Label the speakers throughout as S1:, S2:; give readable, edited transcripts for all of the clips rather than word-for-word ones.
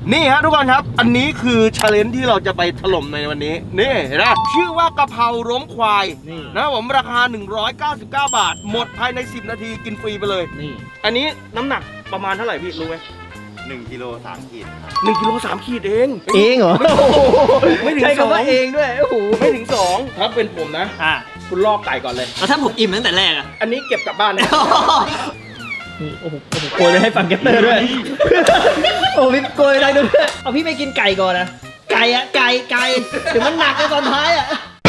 S1: นี่ฮะทุกคนครับอันนี้คือชาเลนจ์ที่เราจะไปถล่มในวันนี้นี่เห็นไหมชื่อว่ากะเพราล้มควายนะผมราคา199 บาทหมดภายใน10 นาทีกินฟรีไปเลยนี่อันนี้น้ำหนักประมาณเท่าไหร่พี่รู้ไหม
S2: 1 กิโล 3 ขีด
S1: 1 กิโล 3 ขีดเอง
S3: เหรอ
S1: ไม่ถึง
S3: ใช้คำว่าเองด้วยโอ้โห
S1: ไม่ถึง2ถ้าเป็นผมนะคุณลอกไก่ก่อนเลย
S3: แล้วถ้าผมอิ่มตั้งแต่แรกอะ
S1: อันนี้เก็บกลับบ้านนะ
S3: โอ้โหโกยไปให้ฟังแกเตอร์ด้วยโอ้พี่โกยอะไรด้วยเอาพี่ไม่กินไก่ก่อนนะไก่อะไก่เดี๋ยวมันหนักในตอนท้ายอะ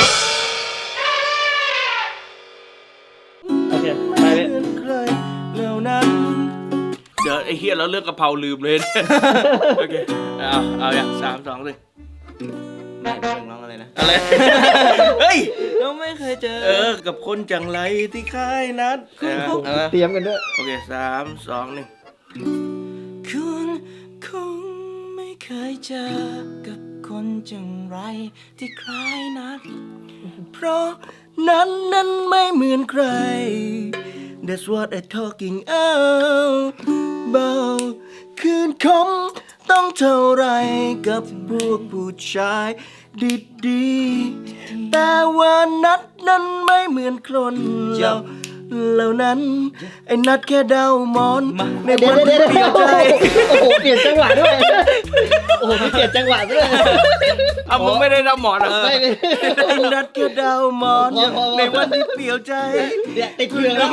S3: โอเคไปเลย
S1: แล้วนั้นเดี๋ยวไอ้เฮียแล้วเรื่องกะเพราลืมเลยโอเคเอาอย่าง3 2 1
S3: แม่เรื่องร้องอะไรนะ
S1: อะไรเฮ้ย
S3: เราไม่เคยเจอ
S1: กับคนจังไรที่ค่ายนัด
S3: เตรียมกันด้วย
S1: โอเค3 2 1
S3: คุณคงไม่เคยเจอกับคนจังไรที่คล้ายนัดเพราะนั้นไม่เหมือนใคร That's what I'm talking about เบาคืนคมต้องเท่าไรกับพวกผู้ชายดีๆแต่ว่านัดนั้นไม่เหมือนคนเหล่านั้นไอ้นัดแค่ดาวมอนในวันที่เปลี่ยนใจโอ้โหเปลี่ยนจังหวะด้วยโอ้โหมีเปลี่ยนจังหวะด้วย
S1: มึงไม่ได้รับหมอนหรอ
S3: ไอ้นัดแค่ดาวมอนในวันที่เปลี่ยนใจเนี่ยติดเครื่องแล้ว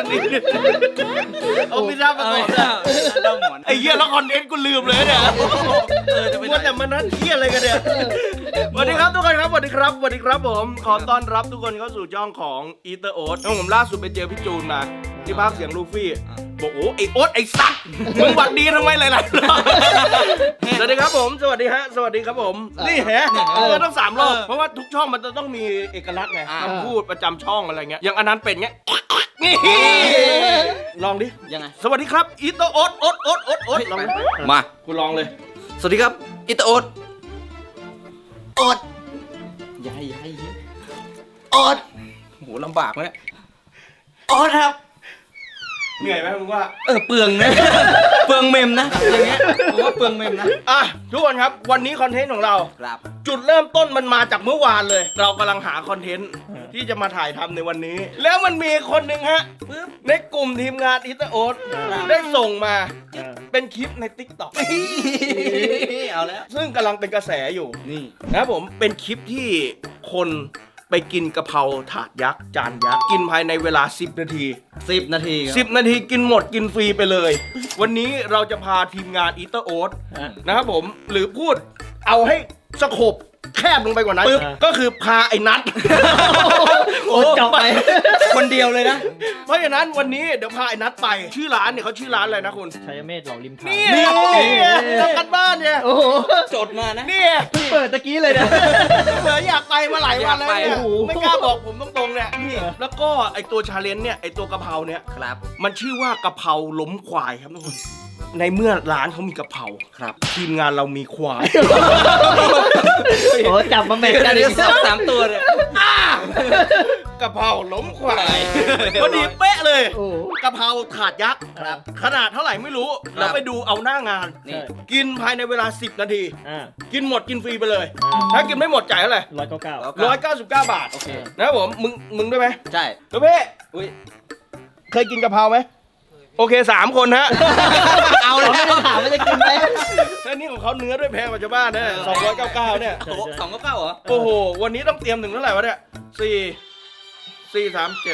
S1: ไม่ทราบมาก่อนไอ้เหี้ยแล้วคอนเทนต์กูลืมเลยเนี่ยว่าแต่มันนั่นเหี้ยอะไรกันเนี่ยสวัสดีครับทุกคนครับสวัสดีครับผมขอต้อนรับทุกคนเข้าสู่ช่องของอีเตอร์โอ๊ตผมล่าสุดไปเจอพี่จูนมาที่ภาคเสียงลูฟี่บอกโอ้ไอโอ๊ตไอสัตว์มึงหวัดดีทำไมหลายๆรอบสวัสดีครับผมสวัสดีครับผมนี่แฮะต้อง3 รอบเพราะว่าทุกช่องมันจะต้องมีเอกลักษณ์ไงคำพูดประจำช่องอะไรเงี้ยอย่างอันนั้นเป็นเงี้ยนี่ลองดิ
S3: ยังไง
S1: สวัสดีครับอีเตอร์โอ๊ตลองมาคุณลองเลย
S3: สวัสดีครับอีเตอร์โอ๊ตโอ๊ตยายโอ๊ต
S1: โหลำบากเลย
S3: โอ๊ตครับ
S1: เหนื่อยไหมมึงว่า
S3: เปลืองนะ เปลืองเมมนะอย่างเงี้ยผมว่าเปลืองเมมนะ
S1: ทุกคนครับวันนี้คอนเทนต์ของเราจุดเริ่มต้นมันมาจากเมื่อวานเลยเรากำลังหาคอนเทนต์ที่จะมาถ่ายทำในวันนี้แล้วมันมีคนหนึ่งฮะในกลุ่มทีมงานอีเตอร์โอ๊ตได้ส่งมาเป็นคลิปใน TikTok
S3: เอาแล้ว
S1: ซึ่งกำลังเป็นกระแสอยู่นี่นะผมเป็นคลิปที่คนไปกินกะเพราถาดยักษ์จานยักษ์กินภายในเวลา10 นาที
S3: 10 นาที
S1: 10 นาทีกินหมดกินฟรีไปเลยวันนี้เราจะพาทีมงานอีเตอร์โอ๊ตนะครับผมหรือพูดเอาให้สโคปแคบลงไปกว่านั้นก็คือพาไอ้นัท
S3: โอ้จบไปคนเดียวเลยนะ
S1: เพราะฉะนั้นวันนี้เดี๋ยวพาไอ้นัทไปชื่อร้านเนี่ยเขาชื่อร้านอะไรนะคุณ
S3: ชัยเมธหล่อริมทาง
S1: นี่ทำกันบ้านเนี่ย
S3: โอ้โหจดมานะ
S1: นี่
S3: เปิดตะกี้เลยนะ
S1: เหมือนอยากไปมาหลายวันแล้วเนี่ยไม่กล้าบอกผมตรงๆเนี่ยนี่แล้วก็ไอ้ตัวชาเลนจ์เนี่ยไอ้ตัวกะเพราเนี่ย
S3: ครับ
S1: มันชื่อว่ากะเพราล้มควายครับทุกคนในเมื่อร้านเขามีกะเพรา
S3: ครับ
S1: ทีมงานเรามีควาย
S3: โอ้จับมาแม่กัน3 ตัวเลย
S1: กะเพราล้มควายพอดีเป๊ะเลยกะเพราถาดยักษ์ขนาดเท่าไหร่ไม่รู้เราไปดูเอาหน้างานกินภายในเวลา10 นาทีกินหมดกินฟรีไปเลยถ้ากินไม่หมดจ่ายเท่าไหร่199 บาทโอเคนะครับผมมึงด้วยไหม
S3: ใช่
S1: ตัวเพ่เคยกินกะเพราไหมโอเค3 คนฮะ
S3: เอาเลยไม่ถามว่าจะกินไหม
S1: แล้วนี่ของเขาเนื้อด้วยแพงกว่าชาวบ้านเนี่ย299เนี่ย
S3: 299เหรอ
S1: โอ้โหวันนี้ต้องเตรียมถึงเท่าไหร่วะเนี่ย4 3 7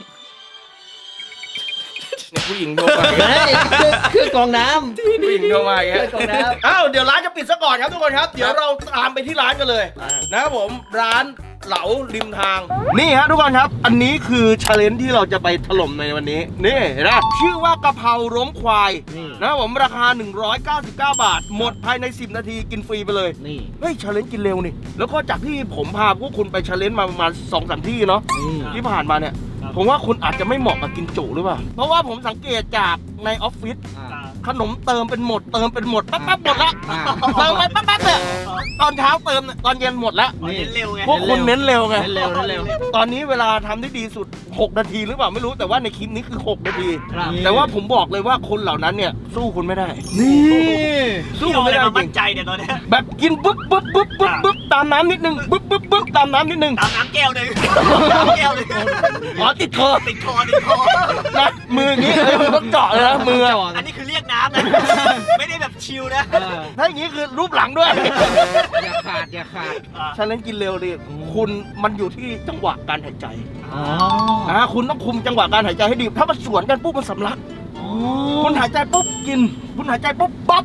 S1: เนี่ยผู้หญิงโทรมา
S3: คือกองน้
S1: ำผู้หญิงโทรมาอย่างเงี้ยอ้าวเดี๋ยวร้านจะปิดซะก่อนครับทุกคนครับเดี๋ยวเราตามไปที่ร้านกันเลยนะครับผมร้านเหลาริมทางนี่ฮะทุกคนครับอันนี้คือชาเลนจ์ที่เราจะไปถล่มในวันนี้นี่เห็นไหมชื่อว่ากะเพราล้มควายนะครับผมราคา199 บาทหมดภายใน10 นาทีกินฟรีไปเลย
S3: นี่
S1: เฮ้ยชาเลนจ์กินเร็วนี่แล้วก็จากที่ผมพาพวกคุณไปชาเลนจ์มาประมาณ 2-3 ที่เนาะที่ผ่านมาเนี่ยผมว่าคุณอาจจะไม่เหมาะกับกินจุหรือเปล่าเพราะว่าผมสังเกตจากในออฟฟิศขนมเติมเป็นหมดปั๊บหมดละเติมไปปั๊บเนี่ยตอนเช้าเติมเนี่ยตอนเย็นหมดแล้ว
S3: เน้นเร็วไง
S1: พวกคุณเน้นเร็วไง
S3: เน้นเร็ว
S1: ตอนนี้เวลาทำได้ดีสุด6 นาทีหรือเปล่าไม่รู้แต่ว่าในคลิปนี้คือ6 นาที
S3: ครับ
S1: แต่ว่าผมบอกเลยว่าคนเหล่านั้นเนี่ยสู้คุณไม่ได้
S3: นี่
S1: สู้คุณไม่ได้จริง
S3: ใจเนี่ยตอนนี้
S1: แบบกินปุ๊บตามน้ำนิดนึงปุ๊บตามน้ำนิดนึง
S3: ตามน้ำแก้วหนึ่งแก้วหนึ่ง
S1: อ๋อติดคอ
S3: ติดคอ
S1: นะมืออย่างงี้มือต้องเจาะเลยนะมือ
S3: อันนี้คือเรียกน้ำนะ ไม่ได้แบบชิลนะ
S1: ถ้าอย่างงี้คือรูปหลังด้วย
S4: อย่าขาด
S1: ฉะนั้นกินเร็วดิคุณมันอยู่ที่จังหวะการหายใจ
S4: อ๋อ
S1: คุณต้องคุมจังหวะการหายใจให้ดี ถ้ามันสวนกันปุ๊บมันสำลักคุณหายใจปุ๊บกิน คุณหายใจปุ๊บบับ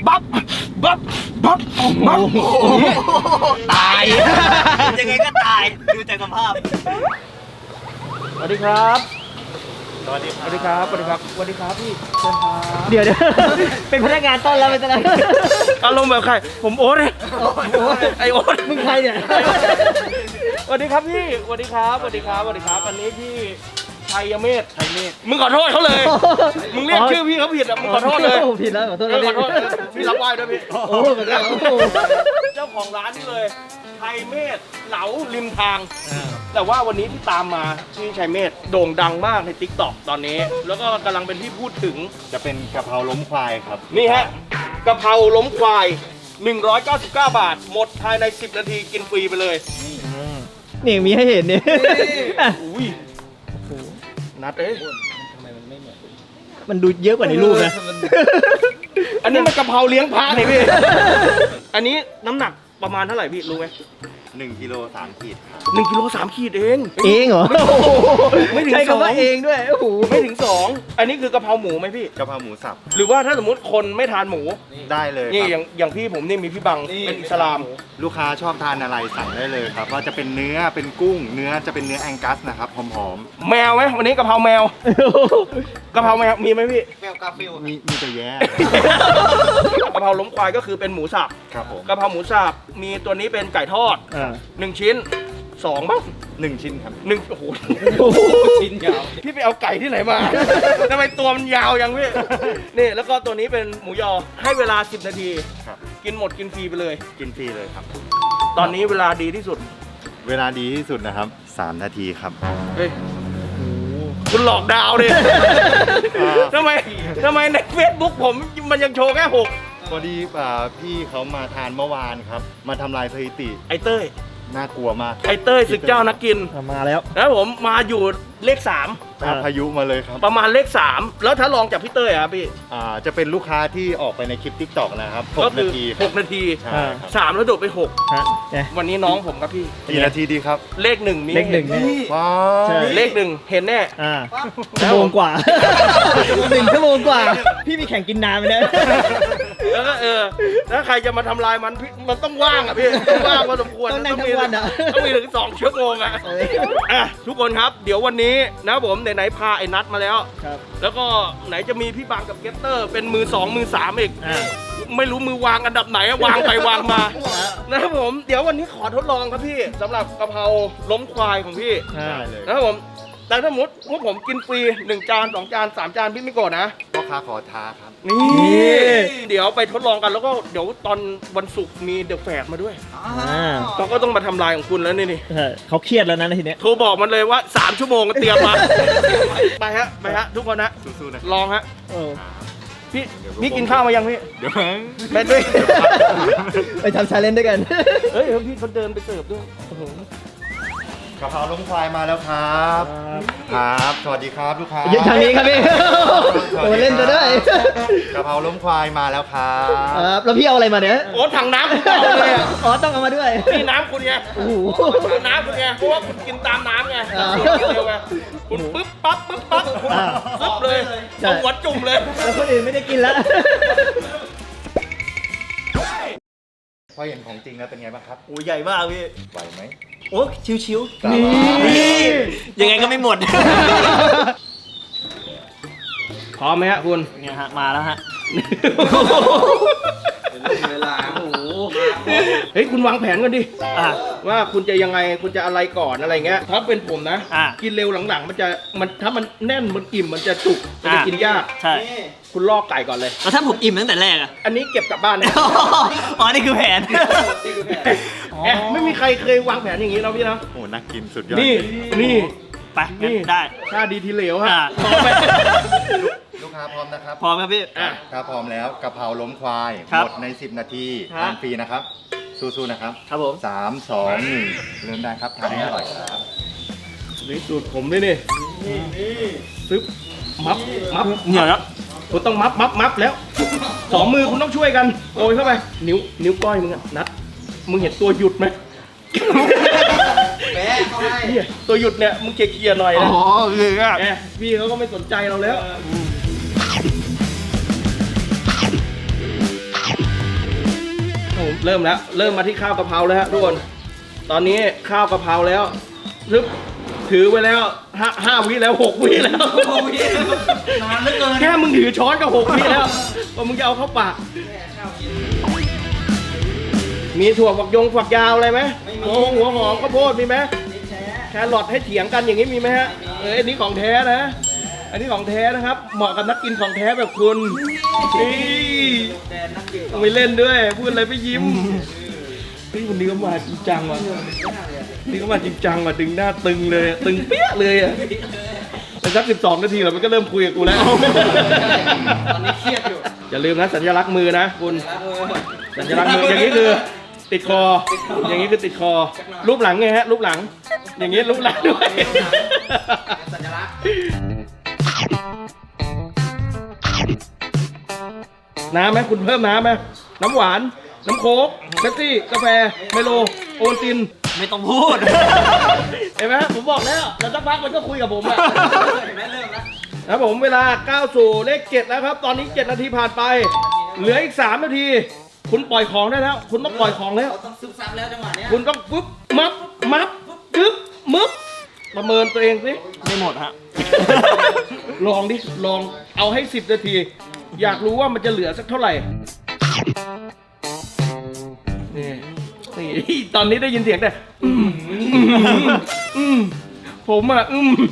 S3: ตาย ยังไงก็ตาย ดูจากสภาพ
S1: สวัสดีครับ
S2: สวัสดีค
S1: ส
S2: รับ
S1: วัสดีครับสวัสดีครับสวัสดีครับพี่เชิญครับ
S4: เดี๋ยว เป็นพนักงานต้อนรับเป็นอะไร
S1: อารมณ์แบบใครผมโอ๊ตเลยไอโอ๊ต
S4: มึงใครเนี่ย
S1: สวัสดีครับพี่สวัสดีครับอันนี้พี่ชัยเมธมึงขอโทษเขาเลย มึงเรียกชื่อพี่เขาผิดอ่ะมึงขอโทษเลย
S4: ผิดแล้วขอโทษ
S1: ขอโทษพี่รับไหว้ด้วยพี่
S4: โอ้เหมือนกัน
S1: เจ้าของร้านนี่เลยชัยเมธเหลาริมทาง แต่ว่าวันนี้ที่ตามมาชื่อชัยเมธโด่งดังมากใน TikTok ตอนนี้ แล้วก็กำลังเป็นที่พูดถึง
S2: จะเป็นกะเพราล้มควายครับ
S1: นี่ฮะกะเพราล้มควาย 199 บาท หมดภายใน 10 นาทีกินฟรีไปเลย
S4: นี่มีให้เห็นเนี่ย
S1: อุ้ยนัดเอ้ย
S4: มันดูเยอะกว่าในรูปนะ
S1: อันนี้มันกะเพราเลี้ยงพระนี่พี่ อันนี้น้ำหนักประมาณเท่าไหร่พี่รู้ไหม
S2: 1 กิโล 3 ขีดครับ
S1: 1 กิโล 3 ขีดเอง
S4: เองเหรอ
S1: ไม่ถึง
S4: ใช้คำว่า
S1: 2
S4: เองด้วย โอ้โห
S1: ไม่ถึง 2 อันนี้คือกะเพราหมูไหมพี่
S2: กะเพราหมูสับ
S1: หรือว่าถ้าสมมติคนไม่ทานหมู
S2: ได้เลย
S1: นี่
S2: ค
S1: อ
S2: รับ
S1: ย่างพี่ผมนี่มีพี่บังเป็นอิสลาม
S2: ลูกค้าชอบทานอะไรสั่งได้เลยครับว่าจะเป็นเนื้อเป็นกุ้ง เนื้อจะเป็นเนื้อแองกัสนะครับหอม
S1: แมวไหมวันนี้กะเพราแมวกะเพราแมวมีไหมพี่
S3: แมวกาฟิล
S2: ๆมีแต่แย่
S1: กะเพราล้มควายก็คือเป็นหมูสับ
S2: ครับผม
S1: กะเพราหมูสับมีตัวนี้เป็นไก่ทอด 1 ชิ้น 2 บ้าง
S2: 1 ชิ้นครับ
S1: 1โอ้โหชิ้นยาวพี่ไปเอาไก่ที่ไหนมา ทำไมตัวมันยาวยังพี่นี่แล้วก็ตัวนี้เป็นหมูยอให้เวลา10 นาที
S2: ครับ
S1: กินหมดกินฟรีไปเลย
S2: กินฟรีเลยครับ
S1: ตอนนี้เวลาดีที่สุด
S2: เวลาดีที่สุดนะครับ 3 นาทีครับ
S1: เฮ้ยคุณหลอกดาวดิทำไมใน Facebook ผมมันยังโชว์แค่6
S2: พอดีพี่เขามาทานเมื่อวานครับ มาทำลายสถิติ
S1: ไอเต้ย
S2: น่ากลัวมาก
S1: ไอเต้ยศึกเจ้านักกิน
S4: มาแล้ว
S1: แล้วผมมาอยู่เลข
S2: พายุมาเลยครับ
S1: 3 ประมาณเลข 3 แล้วถ้าลองจากพี่เต้ยอะครับพี่
S2: จะเป็นลูกค้าที่ออกไปในคลิป TikTok นะครับ
S1: ก็
S2: 6
S1: คื
S2: นา
S1: อ
S2: ทีครับ
S1: 6 นาที
S2: ใช่ครับ
S1: 3 แล้วโดดไป
S4: ฮะเนี่ย
S1: 6 วันนี้น้องผมครับพี่
S2: กี่นาทีดีครับ
S1: เลข 1 มี
S4: เลขหนึ่งเนี่ย
S2: ว้า
S4: ใช่
S2: ว
S1: เลข 1 เห็นแน่
S4: ชั่วโมงกว่า 1 ชั่วโมงกว่า พี่มีแข่งกินน้ำไหมเนี่ย
S1: แล้วก็ถ้าใครจะมาทำลายมันพี่มันต้องว่างอ่ะพี่ต้องว่างพอสมควร
S4: ต้องนั่งทั้งวันอะ
S1: ต้องมีถึง2 ชั่วโมงอ่ะทุกคนครับเดี๋ยววันนี้นะผมไหนๆพาไอ้นัทมาแล้ว
S4: ครับ
S1: แล้วก็ไหนจะมีพี่บางกับเกตเตอร์เป็นมือ 2 มือ 3 อีก ไม่รู้มือวางอันดับไหนอะวางไปวางมานะครับผมเดี๋ยววันนี้ขอทดลองครับพี่สำหรับกะเพราล้มควายของพี่
S2: ได้เลย
S1: นะครับผมแต่ถ้าสมมติพวกผมกินฟรี1 จาน 2 จาน 3 จานพี่ไม่โกรธนะ
S2: พ่อค้าขอท้าครับ
S1: นี่เดี๋ยวไปทดลองกันแล้วก็เดี๋ยวตอนวันศุกร์มีเดอะแฟร์มาด้วยเขาก็ต้องมาทำลายของคุณแล้วนี่
S4: เขาเครียดแล้วนะทีเนี้ย
S1: โทรบอกมันเลยว่า3 ชั่วโมงก็เตรียมมา ไปฮะทุกคนนะ
S2: สู้ๆนะ
S1: ลองฮะ
S4: เออ
S1: พี่กินข้าวมายังพี่
S2: เดี๋ยว
S1: ไปด้วย
S4: ไปทำชาเลนจ์ด้วยกัน
S1: เฮ้ยพี่เขาเดินไปเสิร์ฟด้วย
S2: กะเพราล้มควายมาแล้วครับครับสวัสดีครับลูกค้า
S4: ยืนทางนี้ครับพี่ โอ้เล่นจะได้
S2: กะเพราล้มควายมาแล้วครับ
S4: ครับแล้วพี่เอาอะไรมาเนี่ย
S1: โอ้ถังน้ำคุณเอาเลยอะ
S4: อ๋อต้องเอามาด้วย
S1: นี่น้ำคุณไง
S4: โอ้โห
S1: น้ำคุณไงเพราะว่าคุณกินตามน้ำไง
S4: อ่า
S1: เร็วไงคุณปึ๊บปั๊บคุณซึบเลย
S4: ใช่
S1: เอาหัวจุ่มเลย
S4: แล้วคนอื่นไม่ได้กินแล้ว
S2: พอเห็นของจริงแล้วเป็นไงบ้างครับ
S3: โอ้ใหญ่มากพี่
S2: ไหวไหม
S3: โอ้ชิว
S2: นี่
S3: ยังไงก็ไม่หมด
S1: พร้อมไหมฮะคุณ
S4: เนี่ยฮะมาแล้วฮะ
S3: เวลาโอ้โห
S1: เฮ้ยคุณวางแผนกันดิ
S4: อ่ะ
S1: ว่าคุณจะยังไงคุณจะอะไรก่อนอะไรเงี้ยถ้าเป็นผมนะ
S4: อ่ะ
S1: กินเร็วหลังๆ มันถ้ามันแน่นมันอิ่มมันจะจุกมันจะกินยาก
S4: ใช่
S1: คุณลอกไก่ก่อนเลย
S4: แล้วถ้าผมอิ่มตั้งแต่แรกอะ
S1: อันนี้เก็บกลับบ้านนะ
S4: อ๋อนี่คือแผน
S1: แอะไม่มีใครเคยวางแผนอย่างนี้นะพี่นะ
S2: โอ้น่ากินสุดยอด
S1: นี่นี่
S4: ไปงั้น
S1: นี่
S4: ได้
S1: ค่าดีทีเหลวฮะ
S4: อ่ะ
S1: พร้อมไหม
S2: ลูกค้าพร้อมนะครับ
S4: พร้อมครับพี่
S1: อ่ะ
S2: ถ้าพร้อมแล้วกะเพราล้มควาย
S4: ครับ
S2: หมดใน 10 นาที
S4: ฮะ
S2: ทานฟรีนะครับสู้ๆนะครับ
S4: ครับผม
S2: 3 2 1 เริ่มได้ครับทานให้อร่อยครับ
S1: นี่สูตรผมด้วยนี่ซึบมับ
S4: เหนียวแล้ว
S1: คุณต้องมับแล้วสองมือคุณต้องช่วยกันโกยเข้าไปนิ้วก้อยมึงอะนัดมึงเห็นตัวหยุดไหมเนี่ยตัวหยุดเนี่ยมึงเคลียร์หน่อยนะ
S4: คืออ่ะ
S1: แหมพี่เขาก็ไม่สนใจเราแล้วเริ่มมาที่ข้าวกะเพราแล้วฮะทุกคนตอนนี้ข้าวกะเพราแล้วซึบถือไว้แล้ว5 วิแล้ว6 วิแล้ว
S4: นานเหลือเกิน
S1: แค่มึงถือช้อนก็6 วิแล้วว่ามึงจะเอาเข้าปากมีถั่วฝักยาวอะไรไหมหัวหอมข้าวโพดมีไหมแครอทให้เถียงกันอย่างนี้มีไหมฮะอันนี้ของแท้นะ อันนี้ของแท้นะครับ เหมาะกับนักกินของแท้แบบคุณต้องไปเล่นด้วยพูดอะไรไปยิ้มนี่วันนี้ก็มาจริงจังว่ะนี่ก็มาจริงจังว่ะดึงหน้าตึงเลยตึงเปี้ยเลยอ่ะแต่สัก12 นาทีแล้วมันก็เริ่มคุยกับกูแล้ว
S4: ตอนนี้เครียดอยู่
S1: อย่าลืมนะสัญลักษณ์มือนะคุณสัญลักษณ์มืออย่างนี้คือติดคอ อย่างนี้คือติดคอ รูปหลังไงฮะรูปหลัง อย่างนี้รูปหลังด้วย
S4: สัญลักษณ์
S1: น้ำไหมคุณเพิ่มน้ำไหมน้ำหวาน น้ำโค้กเบปซี่กาแฟไมโลโอวัลติน
S4: ไม่ต้องพูด
S1: เห็นไหมผมบอกแล้วแล้วสักพักมันก็คุยกับผมอะ
S4: เห็นไหมเริ่มแล้ว
S1: ครับผมเวลาก้าวสู่เลข 7 แล้วครับ ตอนนี้ 7 นาทีผ่านไป เหลืออีก 3 นาที คุณปล่อยของได้แล้ว คุณต้องปล่อยของแล้ว
S4: ต้องซึมซับแล้วจังหวะเนี้ย
S1: คุณต้องปุ๊บมับกึ๊บมึบประเมินตัวเองสิ
S4: ไม่หมดฮะ
S1: ลองดิลองเอาให้ 10 นาที อยากรู้ว่ามันจะเหลือสักเท่าไหร่นี่ตอนนี้ได้ยินเสียงแต่ผมอ่ะ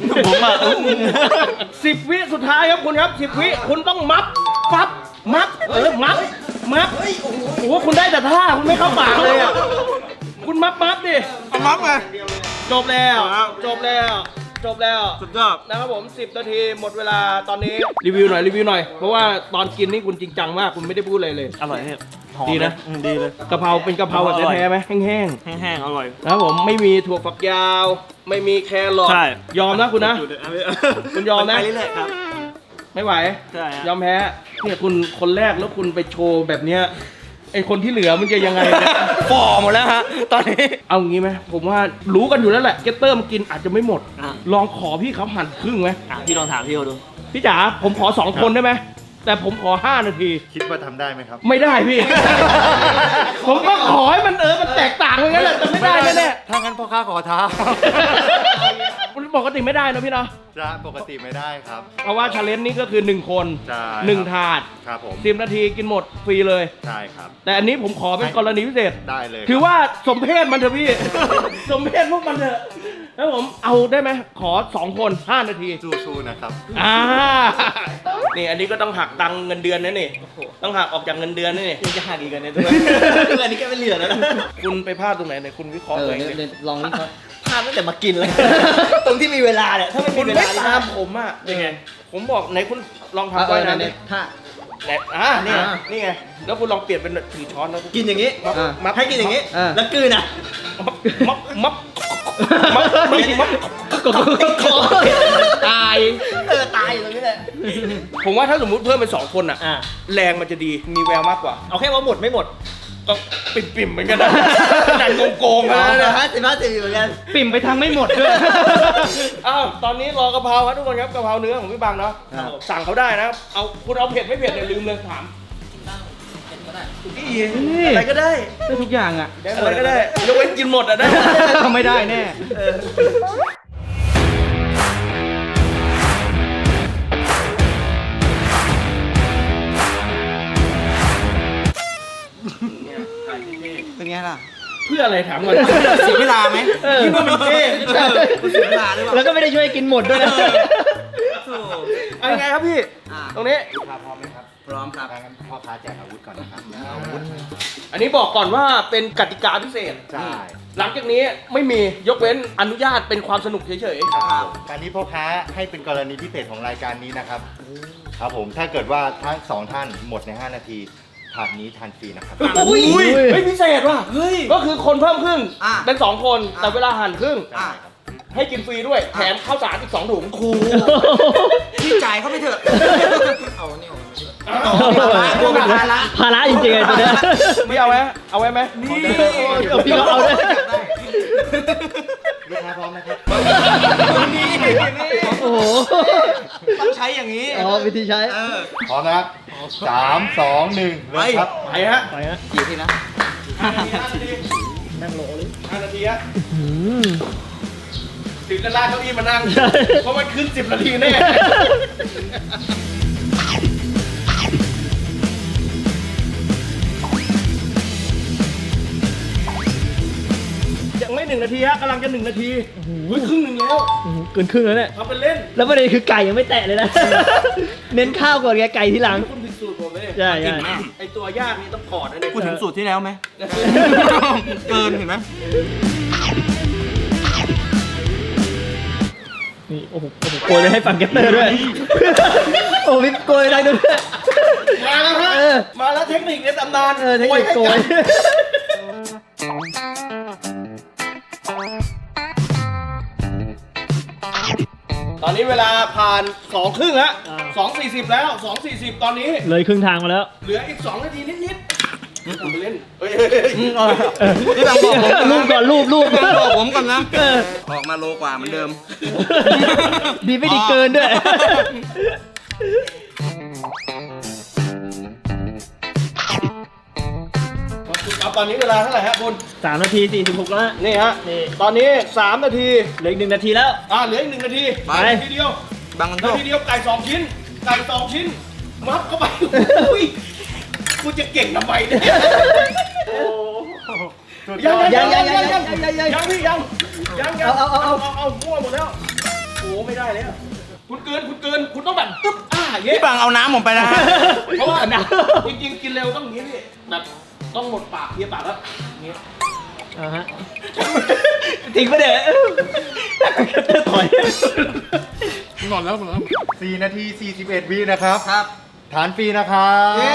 S1: 10 วิสุดท้ายครับคุณครับ10 วิคุณต้องมับมับมับโอ้โหคุณได้แต่ท่าคุณไม่เข้าปากเลยอ่ะคุณมับดิ
S4: มับไง
S1: จบแล้วจบแล้ว
S4: สุดยอด
S1: นะครับผม10 นาทีหมดเวลาตอนนี้รีวิวหน่อยเพราะว่าตอนกินนี่คุณจริงจังมากคุณไม่ได้พูดอะไรเลย
S4: อร่อยเนี่ยหอม
S1: ดีนะ
S4: ดีเลย
S1: กะเพราเป็นกะเพราแบบแท้ๆไหมแห้ง
S4: แห้งๆอร่อย
S1: ๆนะครับผมไม่มีถั่วฝักยาว ไม่มีแครอท
S4: ใช่
S1: ยอมนะคุณนะ คุณยอมนะ
S4: ไปเรื่อยๆครับ
S1: ไม่ไหว
S4: ใช่ฮะ
S1: ยอมแพ้เนี่ยคุณคนแรกแล้วคุณไปโชว์แบบเนี้ยไอคนที่เหลือมันจะยังไงเนี่ย
S4: ฝ่อหมดแล้วฮะ ตอนนี้
S1: เอางี้ไหมผมว่ารู้กันอยู่แล้วแหละเกตเตอร์มันกินอาจจะไม่หมด
S4: อ่ะ
S1: ลองขอพี่เขาหั่นครึ่งไหม
S4: พี่ลองถามพี่เขาดู
S1: พี่จ๋าผมขอ 2 คนได้ไหมแต่ผมขอ 5 นาที
S2: คิดว่าทำได้ไหมครับ
S1: ไม่ได้พี่ ผมก็ขอให้มันมันแตกต่างกันงั้นแหละแต่ไม่ได้แน่
S2: ถ้างั้นพ่อค้าขอท้า
S1: ๆมันปกติไม่ได้นะพี่เนาะ
S2: จะปกติไม่ได้ครับ
S1: เพราะว่าชาเลนจ์นี้ก็คือ1 คน
S2: ใช่
S1: 1 ถาด
S2: ครับผม
S1: 10 นาทีกินหมดฟรีเลย
S2: ใช่ครับ
S1: แต่อันนี้ผมขอเป็นกรณีพิเศษ
S2: ได้เลย
S1: ถือว่าสมเพศมันเถอะพี่ สมเพศพวกมันเถอะแล้วผมเอาได้ไหมขอ 2 คน 5 นาที
S2: สู้ๆนะครับ
S1: นี่อันนี้ก็ต้องหักตังค์เงินเดือนนะนี่ต้องหักออกจากเงินเดือนนะนี่
S4: ยังจะหักอีกกันเนี่ยด้วย อันนี้แกไม่เหลือแล้วนะ
S1: คุณไปพลาดตรงไหนเนี่ยคุณวิเคราะห์ตัวเองดิ
S4: ลองนี่เขาพลาดตั้งแต่มากินเลย ตรงที่มีเวลาเนี่ย ถ้าไม่
S1: คุ
S4: มี
S1: ณ
S4: เว
S1: ไม่
S4: ลา
S1: ตามผมอ่ะยังไงผมบอกไหนคุณลองทำไว้นะเนี่ย
S4: ถ้า
S1: ไหนนี่ไงแล้วคุณลองเปลี่ยนเป็นถือช้อนแล้ว
S4: กินอย่างนี้
S1: มับ
S4: ให้กินอย่างนี้ แล้วกลืนอ่ะ
S1: มับตาย
S4: ตายอยู่ตรงนี้แหละ
S1: ผมว่าถ้าสมมุติเพิ่มเป็น2 คนอ่ะ แรงมันจะดีมีแววมากกว่า
S4: เอาแค่ว่าหมดไม่หมด
S1: ก็ปิ่มๆเหมือนกันนะหนังโกงๆนะ
S4: 50เหมือนกัน
S3: ปิ่มไปทางไม่หมดด้วย
S1: อ้าวตอนนี้รอกะเพราครับทุกคนครับกะเพราเนื้อของพี่บังเนาะสั่งเขาได้นะเอาคุณเอาเผ็ดไม่เผ็ดเนี่ยลืมเลยถามอะไรก็ได้
S3: ได้ทุกอย่างอ่ะ
S1: อะไรก็ได้ยกเว้นกินหมดอ่ะได้
S3: ไม่ได้แน่
S1: ถ่ายที่
S3: เป็นไงล่ะ
S1: เพื่ออะไรถามก่อน
S3: เสียเวลาไหม
S1: คิดว่ามันเท่
S3: เสียเวลาหรือเปล่า
S4: แล้วก็ไม่ได้ช่วยกินหมดด้วยนะ
S1: เอายังไงครับพี่ ตรงนี้
S2: ลูกค้าพร้อมไหมครับ
S3: พร้อมครับ
S2: งั้นพ่อค้าแจกอาวุธก่อนนะครับอาวุธ
S1: อันนี้บอกก่อนว่าเป็นกติกาพิเศษ
S2: ใช่
S1: หลังจากนี้ไม่มียกเว้นอนุญาตเป็นความสนุกเฉย
S2: ครับการนี้พ่อค้าให้เป็นกรณีพิเศษของรายการนี้นะครับ ครับผมถ้าเกิดว่าทั้งสองท่านหมดใน 5 นาทีถาดนี้ทานฟรีนะครับ
S1: ๆอุ้ยเฮ้ยพิเศษว่ะ
S3: เฮ้ย
S1: ก็คือคนเพิ่มครึ่ง
S3: อ่ะ
S1: เป็น 2 คนแต่เวลาหั่นครึ่ง
S3: อ่ะ
S1: ให้กินฟรีด้วย แถมข้าวสารอีก 2 ถุง
S3: โอ้โหพี่จ่ายเขาไปเถอะ เอาเนี่ย
S1: กลัวเป็นภาระ
S4: ภาระจริงๆไอ้ตัวเนี้ย
S1: ไม่เอาไหมเอาไว้ไหม
S3: นี่
S4: เอาพี่ก็เอาด้วย
S2: ลูกค้าพร้อมนะครับ
S3: นี่
S4: โอ้โห
S3: ต้องใช้อย่างนี้
S4: อ๋อวิธีใช้
S2: พร้อมนะครับ3 2 1เริ่มครับ
S1: ไปฮะ
S4: ไปฮะ
S3: กี่ทีนะ
S4: นั่งโหลเลย
S1: 5 นาทีฮะ
S4: อืม
S1: ถึงจะลากเก้าอี้มานั่ง
S4: ใช่
S1: เพราะมันขึ้น 10 นาทีแน่ ยังไม่ 1 นาทีฮะกำลังจะ 1 นาทีเฮ้ยครึ่งหนึ่งแล้ว
S4: โอ้โหเกินครึ่งแล้วเนี่ย
S1: ทำเป็นเล่น
S4: แล้วประเด็นคือไก่ยังไม่แตะเลยนะ เน้นข้าวก่อนไงไก่ทีหลัง
S1: คุณผิดสูตรผมเลย
S4: ใช่ใช่
S1: ไอตัวยากนี่ต้องกอดนะเนี่ย
S3: พูดถึงสูตรที่แล้วไหม เกินเห็นไหม
S4: นี่โอ้โหโกยไปให้ฟังแกตเตอร์ด้วย โอ้โหพี่โกยได้ด้วย
S1: มาแล้วฮะ
S4: เออ
S1: มาแล้วเทคนิคในตำนาน
S4: เออเทคนิคโกย
S1: ตอนนี้เวลาผ่าน2 ครึ่งแล้ว2:40 แล้ว 2:40 ตอนนี้
S4: เลยครึ่งทางมาแล้ว
S1: เหลืออีก 2 นาทีนิดๆทำไปเล่นเฮ้ย
S3: พี่บังบอกผม
S4: รูปก่อนรูป
S3: พี่บังบอกผมก่อนนะ
S4: เออ
S3: ออกมาโลกว่าเหมือนเดิม
S4: ดีไม่ดีเกินด้วย
S1: ครับตอนนี้เวลาเท่าไหร่ฮะคุณ
S4: 3 นาที 46 แล้วฮะ
S1: นี่ฮะ
S4: นี่
S1: ตอนนี้ 3 นาที
S4: เหลืออีก1 นาทีแล้ว
S1: เหลืออีก 1 นาที
S3: ไป
S1: นาทีเดียว
S3: บังกันโช
S1: นา
S3: ค
S1: ทีเดียวไก่ 2 ชิ้น ไก่ 2 ชิ้น มัดเข้าไปอุ้ยกูจะเก่งทำไมเนี่ยยังพี่ยังมั่วหมดแล้วโอ้ไม่ได้แล้วคุณเกินคุณต้องแบบตึ๊บอย่างเงี้ย
S3: พี่บังเอาน้ำผมไปนะฮะ
S1: เพราะว่าจริงๆกินเร็วต้องอย่างนี้พี่แบบต้องหมดปากเคี้ยวปากแล้วอย่างนี้
S4: ฮะทิ้งไปเด้อถอย
S2: 4 นาที 41 วินะครับ
S3: ครับ
S2: ทานฟรีนะครับ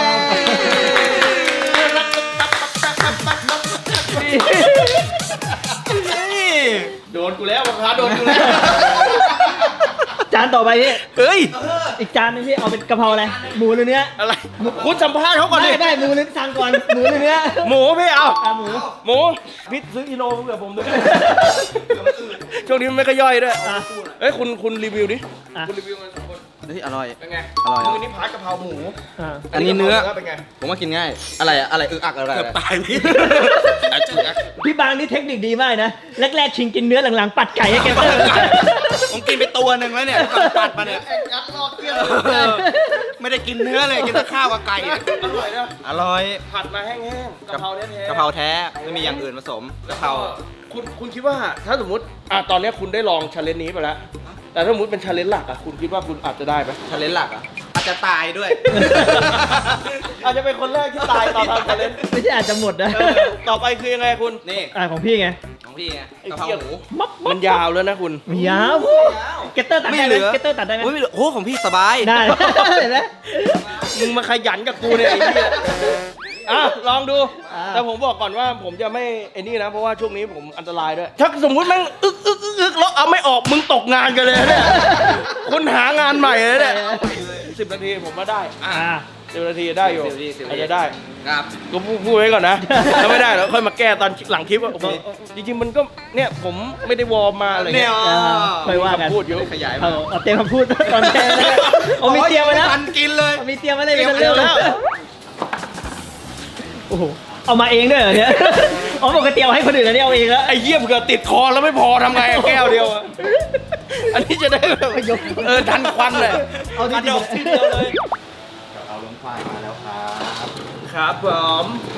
S1: โดนกูแล้วราคาโดนกูแล้ว
S4: จานต่อไปพี่
S3: เฮ้ย
S4: อีกจานนึงพี่เอาเป็นกะเพราอะไร หมูหรือเนื้อ
S1: อะไรคุณสัมภาษณ์เขาก่อนดิ
S4: ได้หมูหรือสั่งก่อน หมูหรือเนื้อ
S1: หมูพี่เอา
S4: หมู
S1: พี่ซื้อกิโลเผื่อผมด้วยช่วงนี้มันไม่ค่อยย่อยด้วยเอ้ยคุณรีวิวดิ
S4: อ่ะ
S1: คุณรีวิวกัน2 คน
S3: เฮ้ยอร่อย
S1: เป็นไง
S3: อร่อย
S1: มือนี้พาร์ทกะเพราหมู
S4: อ่า
S3: อันนี้เนื้อ
S1: เป็นไง
S3: ผมว่ากินง่าย อะไรอะอะไรอึกอักอะไร
S1: เกือบตายพี่
S4: พี่บางนี่เทคนิคดีมากนะ แรกๆชิงกินเนื้อหลังๆปัดไก่ให้แกเตอร์
S3: ผมกินไปตัวหนึ่งแล้วเนี่ยก่อนตัดมาเนี่ย
S1: งัดลอกเกลี้ยง
S3: ไม่ได้กินเนื้อเลย กินแต่ข้าวกับไก่อะ
S1: อร่อยนะ
S3: อร่อย
S1: ผัดมาแห้งๆกะเพราแท้ๆ
S3: กะเพราแท้ ไม่มีอย่างอื่นผสมกะเพรา
S1: คุณคิดว่าถ้าสมมติตอนนี้คุณได้ลองชาเลนจ์นี้ไปแล้ว แต่ถ้าสมมติเป็นชาเลนจ์หลักคุณคิดว่าคุณอาจจะได้ไหม
S3: ชาเลนจ์หลักอ่ะ อาจจะตายด้วย
S1: อาจจะเป็นคนแรกที่ตายตอนทำชาเลนจ์
S4: ไม่ใช่อาจจะหมดนะ
S1: ต่อไปคือยังไงคุณ
S3: นี่
S4: ของพี่ไง
S3: ของพี่ไง
S1: ไอ้
S3: กะเพรา
S1: เหี้ย
S3: หมู
S1: มันยาวแล้วนะคุณ
S4: มียาวแกเตอร์ตัดได้ไหมแกเตอร์ตัดได้ไหม
S3: โอ้ยไม่เหลือโอ้ของพี่สบาย
S4: ได้ เห็นไหม
S1: มึงมาขยันกับกูเนี่ยไอ้เหี้ยลองดู
S4: อ่า
S1: แต่ผมบอกก่อนว่าผมจะไม่ไอ้นี่นะ เพราะว่าช่วงนี้ผมอันตรายด้วย ถ้าสมมุติแม่งอึกแล้วเอาไม่ออกมึงตกงานกันเลยนะเนี่ยคุณหางานใหม่เลยเนี่ย10 นาทีผมว่าได้
S4: อ่า
S1: 10 นาทีได้อยู่
S3: 10
S1: อาจจะได้
S3: ครับ
S1: ก็พูดไว้ก่อนนะ ถ้าไม่ได้แล้วค่อยมาแก้ตอนหลังคลิปว่าโอ้โหจริงๆมันก็เนี่ยผมไม่ได้วอร์มมาอะไร
S3: เนี่
S1: เงี้
S3: ย
S1: ย
S4: ค่อยว่ากัน
S1: พูดอยู่
S3: ขยาย
S4: เอา
S3: มา
S4: เอาเตรียมคำพูดตอนแทนเลยเอามีเตรียมไว้แล้ว
S3: ทันกินเลย
S4: เอามีเตรียมไว้เลย
S3: เตรียม
S4: เป็นเรื่อง
S1: แล้
S4: แล้ว วโอ้โหเอามาเองด้วยเหรอเนี่ยอ๋อปกติเอาให้คนอื่นแล้วนี่เอาเองแล้ว
S1: ไอ้เหี้ยเผื่อติดคอแล้วไม่พอทำไงอะแก้วเดียวอะอันนี้จะได้แบบทันควันเลย
S4: เอาจริงๆ
S1: ดอกทีเดียวเลย
S2: เอาลงควายมาแล้วครับ
S1: ครับผม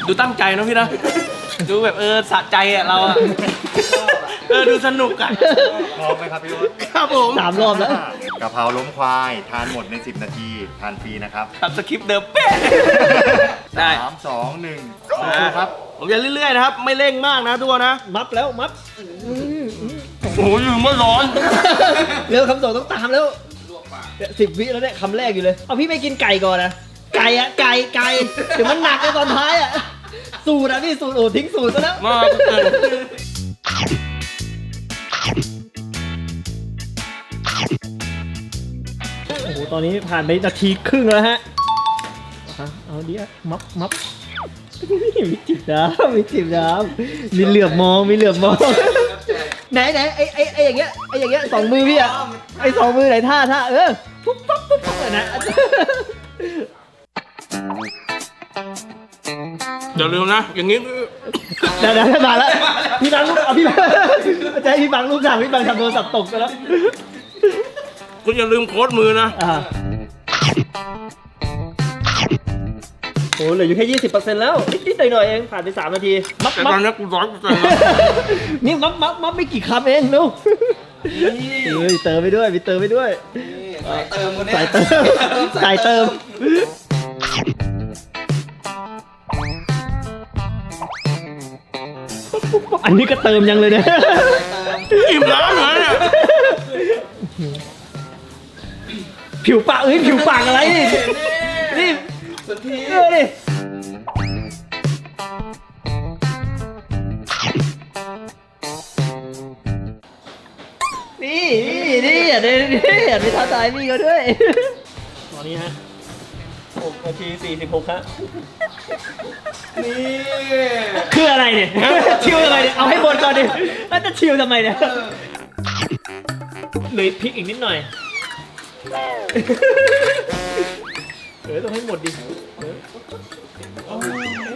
S1: ดูตั้งใจนะพี่นะดูแบบสะใจอ่ะเราอ่ะดูสนุกอ่ะ
S2: พร้อมไหมครับพี่วุฒิ
S1: ครับผม
S4: 3 รอบแล้ว
S2: กะเพราล้มควายทานหมดใน10 นาทีทานฟรีนะครับ
S1: ตัดสคริปต์เดิมเป๊ะได้
S2: 3 2 1สู้ๆครับ
S1: ผมจะเรื่อยๆนะครับไม่เร่งมากนะทุกคนนะ
S4: มับแล้วมับ
S1: โอ้ยลืมว่าร้อน
S4: เร็วคำส่งต้องตามแล้ว10 วิแล้วเนี่ยคำแรกอยู่เลยเอาพี่ไม่กินไก่ก่อนนะไก่อะไก่เดี๋ยวมันหนักในตอนท้ายอะสูตรอะพี่สูตรโอ้ทิ้งสูตรซะแล้ว
S1: มาก
S4: โอ้โหตอนนี้ผ่านไปนาทีครึ่งแล้วฮะเอาดิมับมีจิบน้ำมีจิบน้ำมีเหลือบมองไหนไอ้อย่างเงี้ย2 มือพี่อะไอ้2 มือไหนท่าปุ๊บปั๊บนะ
S1: เดี๋ยวลืมนะอย่างนี้
S4: เดี๋ยวมาแล้วพี่บังลูกเอาพี่บังจะให้พี่บังลูกสั่งพี่บังทำโทรศัพท์ตกไปแล้ว
S1: คุณอย่าลืมโค้ดมือนะ
S4: โอ้เหลืออยู่แค่ 20% แล้วนิดๆหน่อยๆเองผ่านไป3 นาทีมับ
S1: แต่ตอนนี้กู100%แล้ว
S4: นี่มับไม่กี่คำเองลูกเฮ้ยเติมไปด้วยมีเติมไปด้วยสายเติมอันนี้ก็เติมยังเลยเนี่ย
S1: อิ่มน้ำเหรอเนี่ย
S4: ผิวปากผิวปากอะไรนี่สุดทีดินี่อย่าไปท้าทายพี่เขาด้วยตอนนี้ฮะ6 นาที 46ฮะนี่คืออะไรเนี่ยชิวอะไรเนี่ยเอาให้หมดก่อนดิแล้วจะชิวทำไมเนี่ยเหลือพริกอีกนิดหน่อยต้องให้หมดดิ
S2: โอ้โห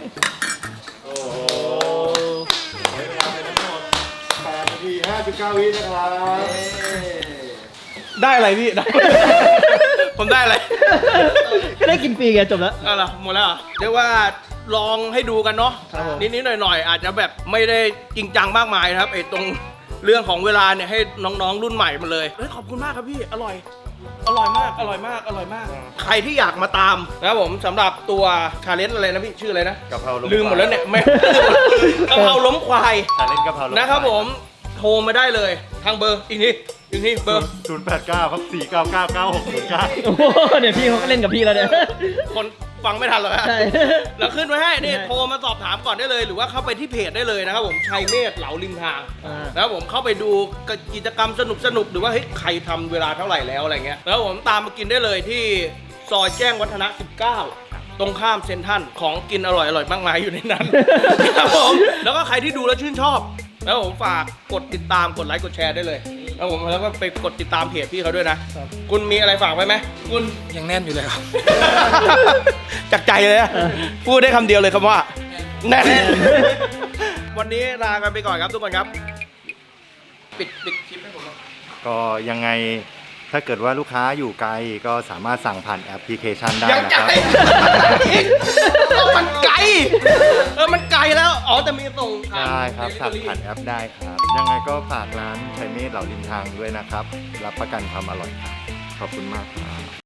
S2: ใช้เวลาไปทั้งหมด8 นาที 59 วินะครับ
S1: ได้อะไรพี่ได้ ผมได้อะไร
S4: ก็ได้กินฟรีไงจบแล้ว
S1: เอาล่ะหมดแล้วเหรอเรียกว่าลองให้ดูกันเนาะ
S4: ครับผม
S1: นิดๆหน่อยๆอาจจะแบบไม่ได้จริงจังมากมายนะครับไอ้ตรงเรื่องของเวลาเนี่ยให้น้องๆรุ่นใหม่มาเลยเฮ้ยขอบคุณมากครับพี่อร่อยมากใครที่อยากมาตามนะครับผมสำหรับตัวชาเลนจ์อะไรนะพี่ชื่ออะไรนะ
S2: กะเพราล้ม
S1: ลืมหมดแล้วเนี่ยไม่ กะเพราล้มควาย
S2: แต่เล่นกะเพราล้ม
S1: นะครับผมโทรมาได้เลยทางเบอร์อีกนี่เบอร์
S2: 089 ครับ 4999609
S4: โอ้โหเนี่ยพี่เขาก็เล่นกับพี่แล้วเนี่ย
S1: คนฟังไม่ทันหรอกฮะ
S4: ใช่
S1: แล้วขึ้นไว้ให้นี่
S4: ใช่
S1: โทรมาสอบถามก่อนได้เลย หรือว่าเข้าไปที่เพจได้เลยนะครับผมชัยเมธเหลาริมทาง แล้วผมเข้าไปดูกิจกรรมสนุกหรือว่าเฮ้ยใครทำเวลาเท่าไหร่แล้วอะไรเงี้ยแล้วผมตามมากินได้เลยที่ซอยแจ้งวัฒนะ 19 ตรงข้ามเซ็นทรัลของกินอร่อยมากมายอยู่ในนั้น ครับผมแล้วก็ใครที่ดูแล้วชื่นชอบแล้วผมฝากกดติดตามกดไลค์กดแชร์ได้เลยแล้วผมแล้วก็ไปกดติดตามเพจพี่เขาด้วยนะคุณมีอะไรฝากไว้ไหมคุณ
S3: ยังแน่นอยู่เลยครับ
S1: จากใจเลยนะพูดได้คำเดียวเลยคำว่าแน่นวันนี้ลากันไปก่อนครับทุกคนครับปิดคลิปให้ผมหน่อย
S2: ก็ยังไงถ้าเกิดว่าลูกค้าอยู่ไกลก็สามารถสั่งผ่านแอปพลิเคชันได้
S1: ยัง
S2: นะ
S1: ไก
S2: ค
S1: ล
S2: รับ
S1: มันไกลมันไกลแล้วอ๋อแต่มีส่งทาง
S2: ได้ครับสั่งผ่านแอปได้ครับ ยังไงก็ฝากร้านชัยเมธเหล่าริมทางด้วยนะครับ รับประกันความอร่อยครับขอบคุณมากครับ